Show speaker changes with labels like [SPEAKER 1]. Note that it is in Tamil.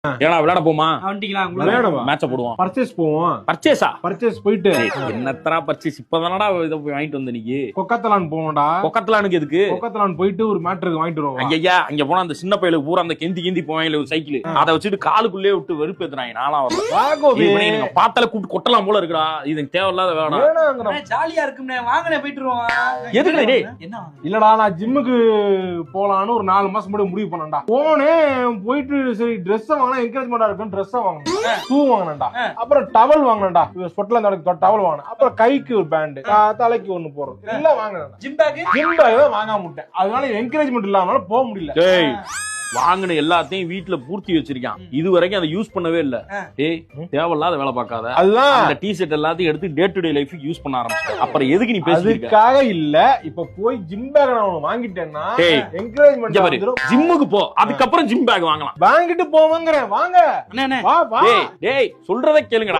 [SPEAKER 1] ஏன்னா விளையாட போமா
[SPEAKER 2] மேட்ச் போடுவோம், பர்ச்சேஸ் போவோம். பர்ச்சேஸ் போயிட்டு
[SPEAKER 1] என்னத்தரா பர்ச்சேஸ் இப்பதானடா இத போய் வாங்கிட்டு வந்த நீங்க.
[SPEAKER 2] கொக்கத்தலான் போவோம்டா.
[SPEAKER 1] கொக்கத்தலானுக்கு எதுக்கு?
[SPEAKER 2] கொக்கத்தலான் போயிட்டு ஒரு மேட்ருக்கு வாங்கிட்டு வருவோம்.
[SPEAKER 1] ஐயா அங்க போனா அந்த சின்ன பையலுக்கு பூரா அந்த கெந்தி போவாங்க ஒரு சைக்கிள், அதை வச்சுட்டு காலுக்குள்ளே விட்டு வெறுப்பேத்துறாங்க. நானா வரேன் பாத்தால கூப்பிட்டு கொட்டலாம் போல இருக்குடா. இது தேவையில்லாத வேணாம்,
[SPEAKER 3] ஜாலியா இருக்கும்னே. வாங்கனே போயிட்டு
[SPEAKER 1] எதுக்கு டேய்?
[SPEAKER 2] இல்லடா நான் ஜிம்முக்கு போலான்னு ஒரு 4 மாசம் முன்னாடி முடிவு பண்ணேன்டா. போனேன், போயிட்டு சரி ட்ரெஸ் வாங்கினா என்கரேஜ்மெண்டா இருக்கும், ட்ரெஸ் வாங்கினேன், ஷூ வாங்கினேன்டா, அப்புறம் டவல் வாங்கினேன்டா, ஸ்கொட்லாந்து டவல் வாங்கினேன், அப்புறம் கைக்கு ஒரு பேண்ட், தலைக்கு ஒண்ணு போடுறது எல்லாம் வாங்கினேன்.
[SPEAKER 3] ஜிம் பேக்
[SPEAKER 2] தான் வாங்க முட்டேன். அதனால என்கரேஜ்மெண்ட் இல்லாம போக முடியல.
[SPEAKER 1] வாங்கின எல்லாத்தையும் வீட்டுல பூர்த்தி வச்சிருக்கான், இது வரைக்கும் அதை யூஸ் பண்ணவே இல்ல. ஏய் தேவையில்லாத வேலை பார்க்காத.
[SPEAKER 2] அதுதான்
[SPEAKER 1] அந்த டி ஷர்ட் எல்லாத்தையும் எடுத்து day to day life use பண்ண ஆரம்பிச்சேன். அப்புறம் எதுக்கு நீ பேசிருக்க?
[SPEAKER 2] அதுக்காக இல்ல, இப்ப போய் ஜிம் பேக் நான் வாங்கிட்டேன்னா என்கரேஜ்மெண்ட் வந்துரும்.
[SPEAKER 1] ஜிம்முக்கு போ, அதுக்கப்புறம் ஜிம் பேக் வாங்கலாம்.
[SPEAKER 2] வாங்கிட்டு போவாங்கறேன். வாங்க
[SPEAKER 1] டேய் சொல்றதை கேளுங்கடா.